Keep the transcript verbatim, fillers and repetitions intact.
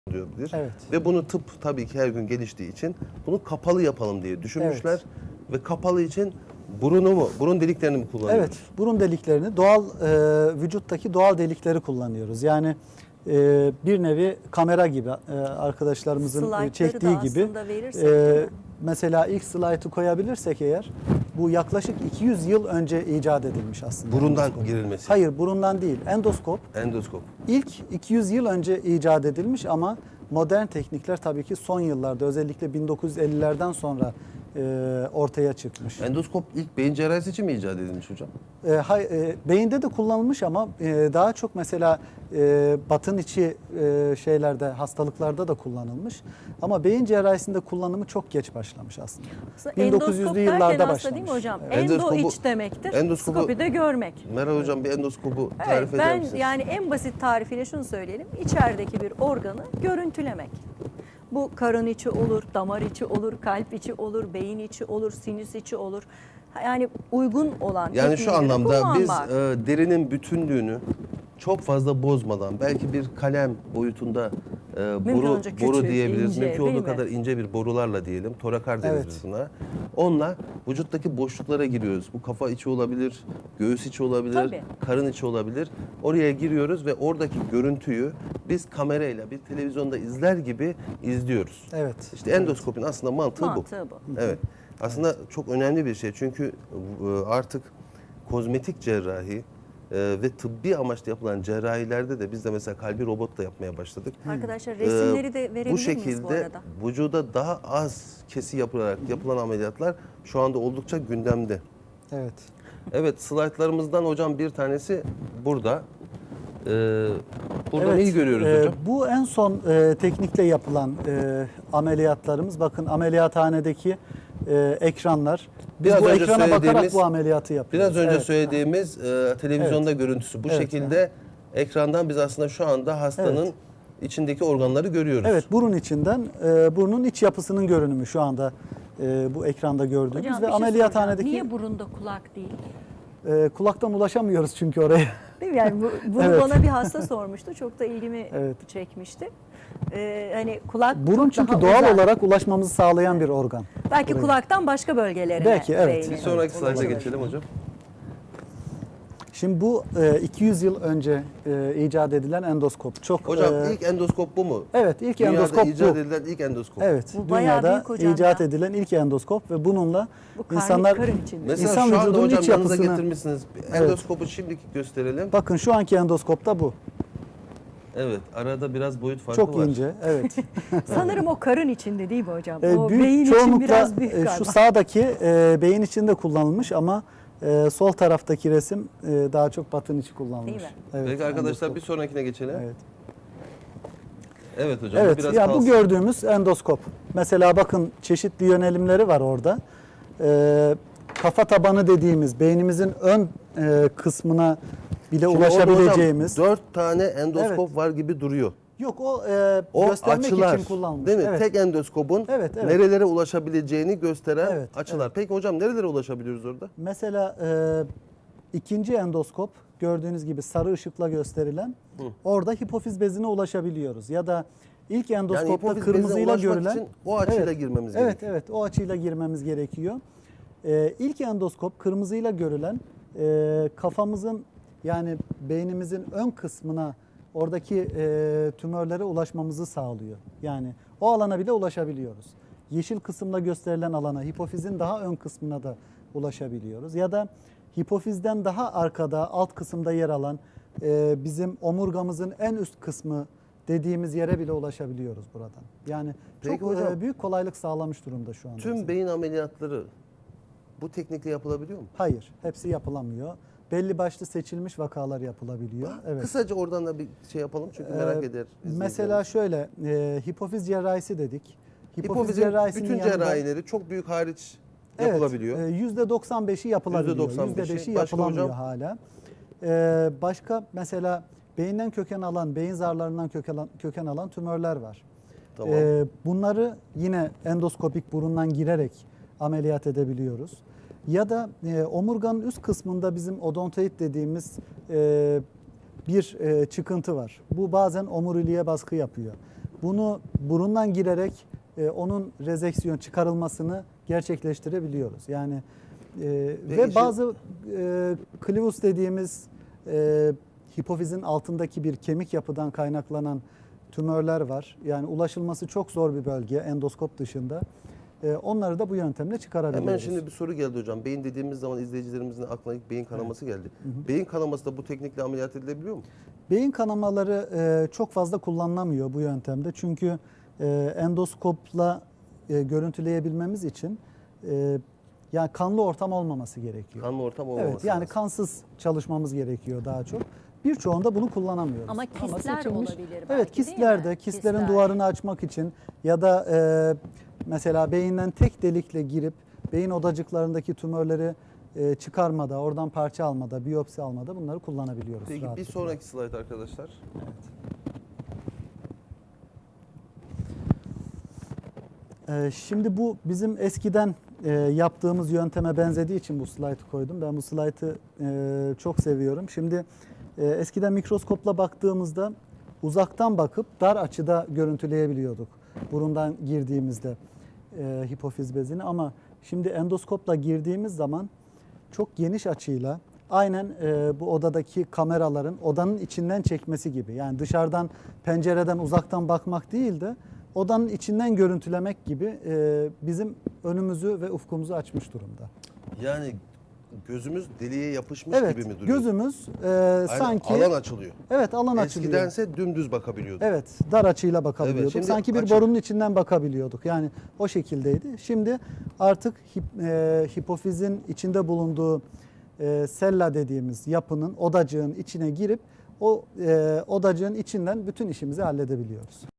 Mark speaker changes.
Speaker 1: diyordur.
Speaker 2: Evet.
Speaker 1: Ve bunu tıp tabii ki her gün geliştiği için bunu kapalı yapalım diye düşünmüşler.
Speaker 2: Evet.
Speaker 1: Ve kapalı için burunu mu, burun deliklerini mi kullanıyoruz?
Speaker 2: Evet, burun deliklerini doğal e, vücuttaki doğal delikleri kullanıyoruz. Yani e, bir nevi kamera gibi e, arkadaşlarımızın e,
Speaker 3: Slaytları
Speaker 2: çektiği
Speaker 3: da
Speaker 2: gibi.
Speaker 3: aslında verirsek, değil mi?
Speaker 2: Mesela ilk slaytı koyabilirsek eğer, bu yaklaşık iki yüz yıl önce icat edilmiş aslında.
Speaker 1: Burundan
Speaker 2: endoskop.
Speaker 1: girilmesi.
Speaker 2: Hayır, burundan değil. Endoskop
Speaker 1: Endoskop.
Speaker 2: ilk iki yüz yıl önce icat edilmiş ama modern teknikler tabii ki son yıllarda, özellikle bin dokuz yüz ellilerden sonra e, ortaya çıkmış.
Speaker 1: Endoskop ilk beyin cerrahisi için mi icat edilmiş hocam?
Speaker 2: E, hay, e, beyinde de kullanılmış ama e, daha çok mesela e, batın içi e, şeylerde, hastalıklarda da kullanılmış. Ama beyin cerrahisinde kullanımı çok geç başlamış aslında.
Speaker 3: Aslında
Speaker 2: bin dokuz yüzlü
Speaker 3: endoskop
Speaker 2: yıllarda
Speaker 3: derken
Speaker 2: başlamış.
Speaker 3: aslında değil mi hocam?
Speaker 2: Evet.
Speaker 3: Endo
Speaker 1: Endoskopu-
Speaker 3: iç demektir.
Speaker 1: endoskopu-
Speaker 3: Skopide görmek.
Speaker 1: Meral hocam bir endoskopu
Speaker 3: Evet,
Speaker 1: tarif eder
Speaker 3: ben
Speaker 1: misiniz?
Speaker 3: yani en basit tarifiyle şunu söyleyelim. İçerideki bir organı görüntülemek. Bu karın içi olur, damar içi olur, kalp içi olur, beyin içi olur, sinüs içi olur. Yani uygun olan
Speaker 1: Yani şu
Speaker 3: tekniği
Speaker 1: anlamda biz
Speaker 3: kullanmak.
Speaker 1: e, derinin bütünlüğünü çok fazla bozmadan, belki bir kalem boyutunda e, boru,
Speaker 3: olduğunca küçük,
Speaker 1: boru diyebiliriz.
Speaker 3: ince,
Speaker 1: Mümkün
Speaker 3: değil
Speaker 1: olduğu
Speaker 3: mi?
Speaker 1: kadar ince bir borularla diyelim. Torakar deriz
Speaker 2: Evet.
Speaker 1: biz buna. Onunla vücuttaki boşluklara giriyoruz. Bu kafa içi olabilir, göğüs içi olabilir,
Speaker 3: Tabii.
Speaker 1: karın içi olabilir. Oraya giriyoruz ve oradaki görüntüyü biz kamerayla bir televizyonda izler gibi izliyoruz.
Speaker 2: Evet.
Speaker 1: İşte endoskopun aslında mantığı,
Speaker 3: Mantığı
Speaker 1: bu.
Speaker 3: bu.
Speaker 1: Evet. Aslında çok önemli bir şey. Çünkü e, artık kozmetik cerrahi e, ve tıbbi amaçlı yapılan cerrahilerde de biz de mesela kalbi robotla yapmaya başladık.
Speaker 3: Arkadaşlar
Speaker 1: Ee,
Speaker 3: resimleri de verebilir
Speaker 1: bu
Speaker 3: miyiz bu
Speaker 1: şekilde
Speaker 3: arada?
Speaker 1: vücuda daha az kesi yapılarak yapılan ameliyatlar şu anda oldukça gündemde.
Speaker 2: Evet.
Speaker 1: Evet, slaytlarımızdan hocam bir tanesi burada. Ee, buradan
Speaker 2: Evet,
Speaker 1: iyi görüyoruz
Speaker 2: e,
Speaker 1: hocam.
Speaker 2: Bu en son e, teknikle yapılan e, ameliyatlarımız. Bakın ameliyathanedeki e, ekranlar. Biz
Speaker 1: Biraz
Speaker 2: bu
Speaker 1: önce
Speaker 2: ekrana bakarak
Speaker 1: söylediğimiz-
Speaker 2: bu ameliyatı yapıyoruz.
Speaker 1: Biraz önce
Speaker 2: Evet.
Speaker 1: söylediğimiz e, televizyonda görüntüsü bu
Speaker 2: Evet,
Speaker 1: şekilde ekrandan biz aslında şu anda hastanın
Speaker 2: Evet.
Speaker 1: içindeki organları görüyoruz.
Speaker 2: Evet, burun içinden e, burnun iç yapısının görünümü şu anda e, bu ekranda gördüğümüz
Speaker 3: Hocam
Speaker 2: ve
Speaker 3: bir şey
Speaker 2: ameliyathanedeki
Speaker 3: soracağım. Niye burunda kulak değil?
Speaker 2: e, kulaktan ulaşamıyoruz çünkü oraya.
Speaker 3: Değil mi? Yani bu, bunu
Speaker 2: Evet.
Speaker 3: bana bir hasta sormuştu. Çok da ilgimi
Speaker 2: Evet.
Speaker 3: çekmişti. Ee, hani kulak
Speaker 2: Burun
Speaker 3: çok
Speaker 2: çünkü
Speaker 3: daha
Speaker 2: doğal
Speaker 3: uzak.
Speaker 2: olarak ulaşmamızı sağlayan bir organ.
Speaker 3: Belki
Speaker 2: Buraya.
Speaker 3: kulaktan başka bölgelerine.
Speaker 2: Belki, evet.
Speaker 3: beynin
Speaker 1: Bir sonraki slayda
Speaker 3: ulaşabilir.
Speaker 1: geçelim hocam.
Speaker 2: Şimdi bu e, iki yüz yıl önce e, icat edilen endoskop. Çok
Speaker 1: Hocam
Speaker 2: e,
Speaker 1: ilk endoskop bu mu?
Speaker 2: evet ilk
Speaker 1: Dünyada
Speaker 2: endoskop
Speaker 1: icat
Speaker 2: bu.
Speaker 1: edilen ilk endoskop.
Speaker 2: Evet,
Speaker 3: Bu bayağı
Speaker 2: dünyada
Speaker 3: büyük hocam
Speaker 2: icat
Speaker 3: ya.
Speaker 2: edilen ilk endoskop ve bununla
Speaker 3: Bu karnı,
Speaker 2: insanlar
Speaker 3: karın içinde.
Speaker 1: Mesela
Speaker 2: İnsan
Speaker 1: şu anda
Speaker 2: vücudunun
Speaker 1: hocam
Speaker 2: iç
Speaker 1: yanınıza
Speaker 2: yapısını-
Speaker 1: getirmişsiniz. Endoskopu şimdiki gösterelim.
Speaker 2: bakın şu anki endoskop da bu.
Speaker 1: Evet, arada biraz boyut farkı
Speaker 2: Çok
Speaker 1: var.
Speaker 2: ince. Evet.
Speaker 3: Sanırım o karın içinde değil mi hocam?
Speaker 2: E,
Speaker 3: o
Speaker 2: büyük
Speaker 3: beyin için
Speaker 2: çoğunlukla
Speaker 3: biraz büyük
Speaker 2: e,
Speaker 3: galiba.
Speaker 2: şu sağdaki e, beyin içinde kullanılmış ama e, sol taraftaki resim e, daha çok batın içi kullanılmış.
Speaker 3: Değil mi?
Speaker 2: Evet,
Speaker 1: Peki arkadaşlar
Speaker 2: endoskop.
Speaker 1: bir sonrakine geçelim. Evet,
Speaker 2: Evet.
Speaker 1: hocam bu
Speaker 2: Evet,
Speaker 1: biraz
Speaker 2: ya bu
Speaker 1: kalsın.
Speaker 2: gördüğümüz endoskop. Mesela bakın çeşitli yönelimleri var orada. Ee, kafa tabanı dediğimiz beynimizin ön e, kısmına bile
Speaker 1: Şimdi orada
Speaker 2: ulaşabileceğimiz.
Speaker 1: hocam dört tane endoskop
Speaker 2: Evet.
Speaker 1: var gibi duruyor.
Speaker 2: Yok o, e,
Speaker 1: O
Speaker 2: göstermek
Speaker 1: açılar,
Speaker 2: için kullanılmış.
Speaker 1: değil mi?
Speaker 2: Evet.
Speaker 1: Tek endoskopun
Speaker 2: Evet, evet.
Speaker 1: nerelere ulaşabileceğini gösteren
Speaker 2: Evet,
Speaker 1: açılar. Peki hocam nerelere ulaşabiliyoruz orada?
Speaker 2: Mesela e, ikinci endoskop gördüğünüz gibi sarı ışıkla gösterilen orada hipofiz bezine ulaşabiliyoruz. Ya da ilk endoskopta
Speaker 1: hipofiz bezine
Speaker 2: kırmızıyla
Speaker 1: ulaşmak
Speaker 2: görülen
Speaker 1: için o açıyla
Speaker 2: evet,
Speaker 1: girmemiz
Speaker 2: evet,
Speaker 1: gerekiyor.
Speaker 2: Evet, o açıyla girmemiz gerekiyor. Ee, ilk endoskop kırmızıyla görülen e, kafamızın yani beynimizin ön kısmına oradaki e, tümörlere ulaşmamızı sağlıyor. Yani o alana bile ulaşabiliyoruz. Yeşil kısımda gösterilen alana, hipofizin daha ön kısmına da ulaşabiliyoruz. Ya da hipofizden daha arkada, alt kısımda yer alan e, bizim omurgamızın en üst kısmı dediğimiz yere bile ulaşabiliyoruz buradan. Yani
Speaker 1: Peki
Speaker 2: çok
Speaker 1: hocam,
Speaker 2: e, büyük kolaylık sağlamış durumda şu anda.
Speaker 1: Tüm
Speaker 2: bize.
Speaker 1: beyin ameliyatları bu teknikle yapılabiliyor mu?
Speaker 2: Hayır, hepsi yapılamıyor. Belli başlı seçilmiş vakalar yapılabiliyor. Evet.
Speaker 1: Kısaca oradan da bir şey yapalım çünkü merak
Speaker 2: Ee,
Speaker 1: eder.
Speaker 2: Mesela şöyle, e, hipofiz cerrahisi dedik.
Speaker 1: Hipofizin
Speaker 2: cerrahisinin
Speaker 1: bütün
Speaker 2: yanında-
Speaker 1: cerrahileri çok büyük hariç
Speaker 2: Evet,
Speaker 1: yapılabiliyor.
Speaker 2: e, yüzde doksan beşi yapılabiliyor.
Speaker 1: yüzde doksan beşi.
Speaker 2: yüzde beşi
Speaker 1: Başka
Speaker 2: yapılamıyor
Speaker 1: hocam?
Speaker 2: hala. Ee, başka mesela beyinden köken alan, beyin zarlarından köken alan, köken alan tümörler var.
Speaker 1: Tamam.
Speaker 2: Ee, bunları yine endoskopik burundan girerek ameliyat edebiliyoruz. Ya da e, omurganın üst kısmında bizim odontoid dediğimiz e, bir e, çıkıntı var. Bu bazen omuriliğe baskı yapıyor. bunu burundan girerek e, onun rezeksiyon çıkarılmasını gerçekleştirebiliyoruz. Yani e, ve
Speaker 1: işin-
Speaker 2: bazı e, clivus dediğimiz e, hipofizin altındaki bir kemik yapıdan kaynaklanan tümörler var. Yani ulaşılması çok zor bir bölge endoskop dışında. E, onları da bu yöntemle çıkarabiliyoruz.
Speaker 1: Hemen şimdi bir soru geldi hocam. Beyin dediğimiz zaman izleyicilerimizin aklına ilk beyin kanaması geldi. Beyin kanaması da bu teknikle ameliyat edilebiliyor mu?
Speaker 2: Beyin kanamaları e, çok fazla kullanılamıyor bu yöntemde. Çünkü e, endoskopla e, görüntüleyebilmemiz için e, yani kanlı ortam olmaması gerekiyor.
Speaker 1: Kanlı ortam olmaması
Speaker 2: Evet, yani
Speaker 1: lazım.
Speaker 2: kansız çalışmamız gerekiyor daha çok. Birçoğunda bunu kullanamıyoruz.
Speaker 3: Ama kistler olabilir belki,
Speaker 2: Evet,
Speaker 3: değil
Speaker 2: kistlerde,
Speaker 3: mi?
Speaker 2: kistlerin
Speaker 3: Kistler.
Speaker 2: duvarını açmak için ya da e, mesela beyinden tek delikle girip beyin odacıklarındaki tümörleri e, çıkarmada, oradan parça almada, biyopsi almada bunları kullanabiliyoruz.
Speaker 1: Peki bir
Speaker 2: rahatlıkla.
Speaker 1: sonraki slide arkadaşlar.
Speaker 2: Ee, Şimdi bu bizim eskiden e, yaptığımız yönteme benzediği için bu slaytı koydum. Ben bu slaytı e, çok seviyorum. Şimdi e, eskiden mikroskopla baktığımızda uzaktan bakıp dar açıda görüntüleyebiliyorduk. Burundan girdiğimizde e, hipofiz bezini, ama şimdi endoskopla girdiğimiz zaman çok geniş açıyla aynen e, bu odadaki kameraların odanın içinden çekmesi gibi. Yani dışarıdan pencereden uzaktan bakmak değil de odanın içinden görüntülemek gibi e, bizim önümüzü ve ufkumuzu açmış durumda.
Speaker 1: Yani gözümüz deliğe yapışmış
Speaker 2: Evet,
Speaker 1: gibi mi duruyor?
Speaker 2: gözümüz e,
Speaker 1: Aynen,
Speaker 2: sanki
Speaker 1: alan açılıyor.
Speaker 2: evet alan açılıyor.
Speaker 1: Eskidense dümdüz bakabiliyorduk.
Speaker 2: Evet, dar açıyla bakabiliyorduk.
Speaker 1: Evet, şimdi
Speaker 2: sanki bir
Speaker 1: açık.
Speaker 2: borunun içinden bakabiliyorduk. Yani o şekildeydi. Şimdi artık hip, e, hipofizin içinde bulunduğu e, sella dediğimiz yapının, odacığın içine girip o e, odacığın içinden bütün işimizi halledebiliyoruz.